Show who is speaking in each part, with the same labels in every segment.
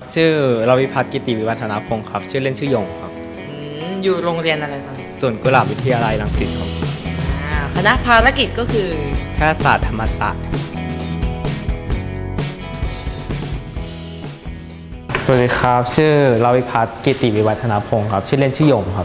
Speaker 1: ชื่อรวิพัฒน์กิติวิวัฒนาพงศ์ครับชื่อเล่นชื่อหยงครับ
Speaker 2: อยู่โรงเรียนอะไรครับ
Speaker 1: ส่วนกุหลาบวิทยาลัยรังสิตครับ
Speaker 2: คณะภารกิจก็คือ
Speaker 1: แพทยศาสตร์ธรรมศาสตร์สวัสดีครับชื่อรวิพัฒน์กิติวิวัฒนาพงศ์ครับชื่อเล่นชื่อหยงครับ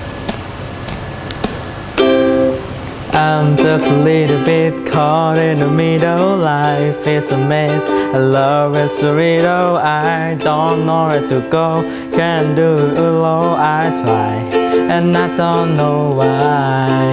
Speaker 1: I'm just a little bit caught in the middle. Life is a mess. I love it so little. I don't know where to go. Can't do it alone. I try, and I don't know why.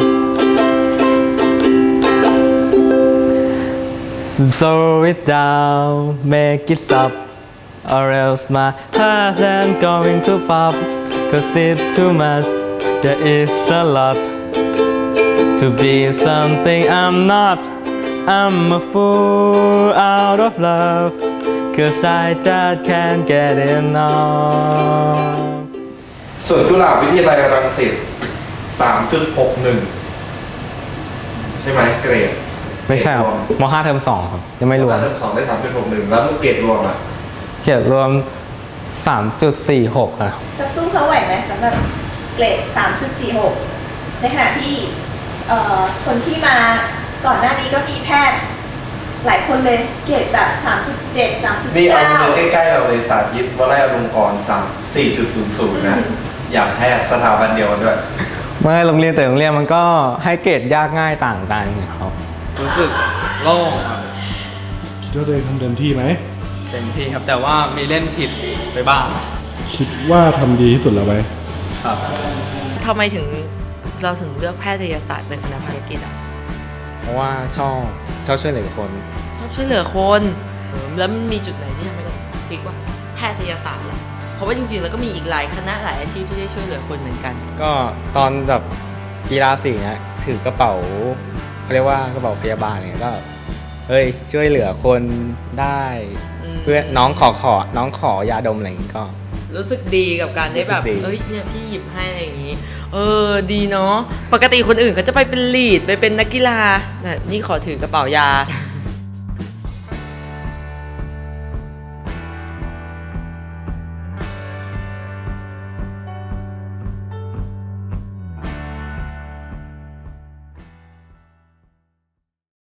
Speaker 1: Slow it down, make it stop, or else my heart ain't going to pop. 'Cause it's too much. There is a lot.To be something I'm not. I'm a fool out of love. 'Cause I just can't get enough.
Speaker 3: ส่วนกุหลาบวิทยาลัยรังสิต 3.61 ใช่ไหมเกรด
Speaker 1: ไม่ใช่ครับม.5 เทอม 2 ครับยังไม่รวม
Speaker 3: เทอม 2 ได้ 3.61 แล้วเกรดรวมอ่ะ
Speaker 1: เกรดรวม 3.46 ครับ
Speaker 4: จะสู้เขาไหวไหมสำหรับเกรด 3.46 ในขณะที่คนที่มาก่อนหน้านี้ก็มีแพทย์หลายคนเลยเกรดแบบ 3.7 3.9
Speaker 3: นี่เอาเงินใกล้ๆเราเลยสาธิตวลัยอลงกรณ์ 4.00 นะ อย่างแพทย์สถาบันเดียวกันด้วย
Speaker 1: เมื่อโรงเรียนแต่โรงเรียนมันก็ให้เกรดยากง่ายต่างกันครับรู้สึกโล่งครับ
Speaker 5: ก็เลยทำเต็มที่ไหม
Speaker 1: เต็มที่ครับแต่ว่ามีเล่นผิดไปบ้าง
Speaker 5: คิดว่าทำดีที่สุดแล้วไหม
Speaker 1: ครับ
Speaker 2: ทำไมเราถึงเลือกแพทยศาสตร์เป็นคณะภารกิจอ่ะ
Speaker 1: เพราะว่าชอบช่วยเหลือคน
Speaker 2: ชอบช่วยเหลือคนแล้วมันมีจุดไหนที่ทำให้เราคิดว่าแพทยศาสตร์ล่ะเพราะว่าจริงๆแล้วก็มีอีกหลายคณะหลายอาชีพที่ได้ช่วยเหลือคนเหมือนกัน
Speaker 1: ก็ตอนแบบกีฬาสีเนี่ยถือกระเป๋าเขาเรียกว่ากระเป๋าพยาบาลเนี่ยก็เฮ้ยช่วยเหลือคนได้เพื่อน้องขอยาดมอะไรอย่างงี้ก็
Speaker 2: รู้สึกดีกับการได้แบบเนี่ยพี่หยิบให้อะไรอย่างงี้ดีเนาะปกติคนอื่นเขาจะไปเป็นลีดไปเป็นนักกีฬาแต่นี่ขอถือกระเป๋ายา